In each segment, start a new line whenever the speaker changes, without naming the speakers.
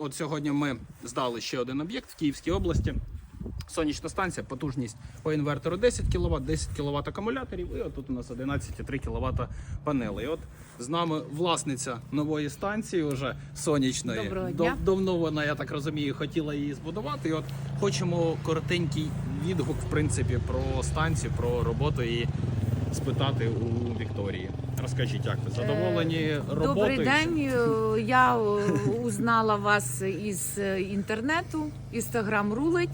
от сьогодні ми здали ще один об'єкт в Київській області. Сонячна станція, потужність по інвертору 10 кВт, 10 кВт акумуляторів, і отут у нас 11,3 кВт панелей. От з нами власниця нової станції, вже сонячної.
Доброго дня.
Давно вона, я так розумію, хотіла її збудувати. І от хочемо коротенький відгук, в принципі, про станцію, про роботу і спитати у Вікторії. Розкажіть, як ви задоволені роботою?
Добрий день. Я узнала вас із інтернету, Інстаграм рулить.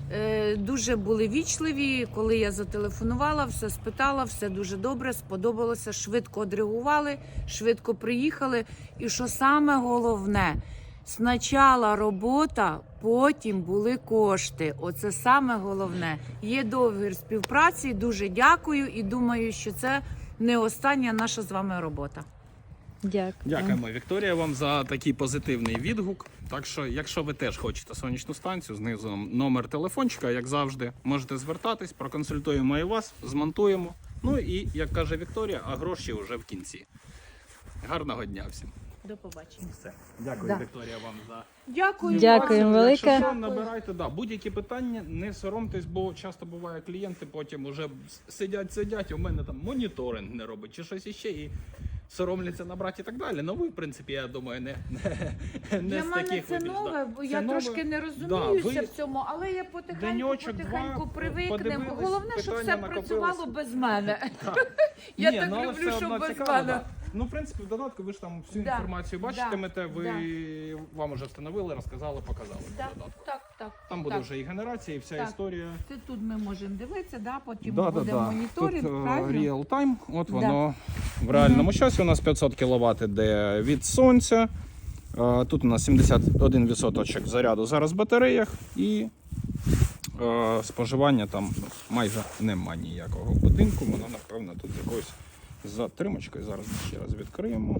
Дуже були вічливі, коли я зателефонувала, все спитала, все дуже добре, сподобалося, швидко відреагували, швидко приїхали. І що саме головне, спочатку робота, потім були кошти. Оце саме головне. Є договір співпраці, дуже дякую і думаю, що це не остання наша з вами робота.
Дякую.
Дякуємо, Вікторія, вам за такий позитивний відгук. Так що, якщо ви теж хочете сонячну станцію, знизу номер телефончика, як завжди, можете звертатись, проконсультуємо і вас, змонтуємо. Ну і, як каже Вікторія, а гроші вже в кінці. Гарного дня всім.
До побачення.
Все. Дякую,
Да.
Вікторія, вам за
Дякую.
Дякую велике.
Якщо що, набирайте, будь-які питання, не соромтесь, бо часто буває клієнти потім уже сидять, у мене там моніторинг не робить чи щось іще, і соромляться набрати і так далі. Ну ви, в принципі, я думаю, не
Для
з
мене
таких
це
вибіж,
нове, бо
Це
я
нове.
трошки не
Да,
розуміюся
ви
в цьому, але я
деньочок,
потихеньку
два,
привикнемо.
подивились,
Головне, щоб все
питання
працювало
накопилось.
без мене.
Так.
Я
Ні,
так
ну, але
люблю,
все
щоб
одно
без
цікаво,
мене.
да. Ну, в принципі, в додатку ви ж там всю
Да,
інформацію
да,
бачитимете, вам вже встановили, розказали, показали в
Так,
додатку.
так.
Там буде
так.
вже і генерація, і вся
Так.
історія.
Це тут ми можемо дивитися, потім
Да,
буде моніторинг,
Тут
правильно?
real time, от воно в реальному часі у нас 500 кВт іде від сонця. Тут у нас 71% заряду зараз в батареях і споживання там майже нема ніякого в будинку. Воно, напевно, тут з якоюсь затримочкою. Зараз ми ще раз відкриємо.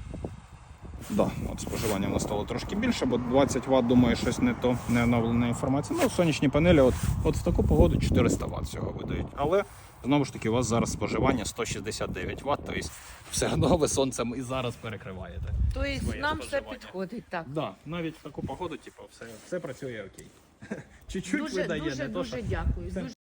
Да, от споживання в нас стало трошки більше, бо 20 Вт, думаю, щось не то, не оновлена інформація. Ну, сонячні панелі от в таку погоду 400 Вт всього видають. Але, знову ж таки, у вас зараз споживання 169 Вт, тобто все одно ви сонцем і зараз перекриваєте.
Тобто
своє
нам все
споживання.
підходить, так.
Да, навіть в таку погоду, все працює окей. Чуть-чуть видає,
Дуже
не то, що...
дякую.
Це-
Дуже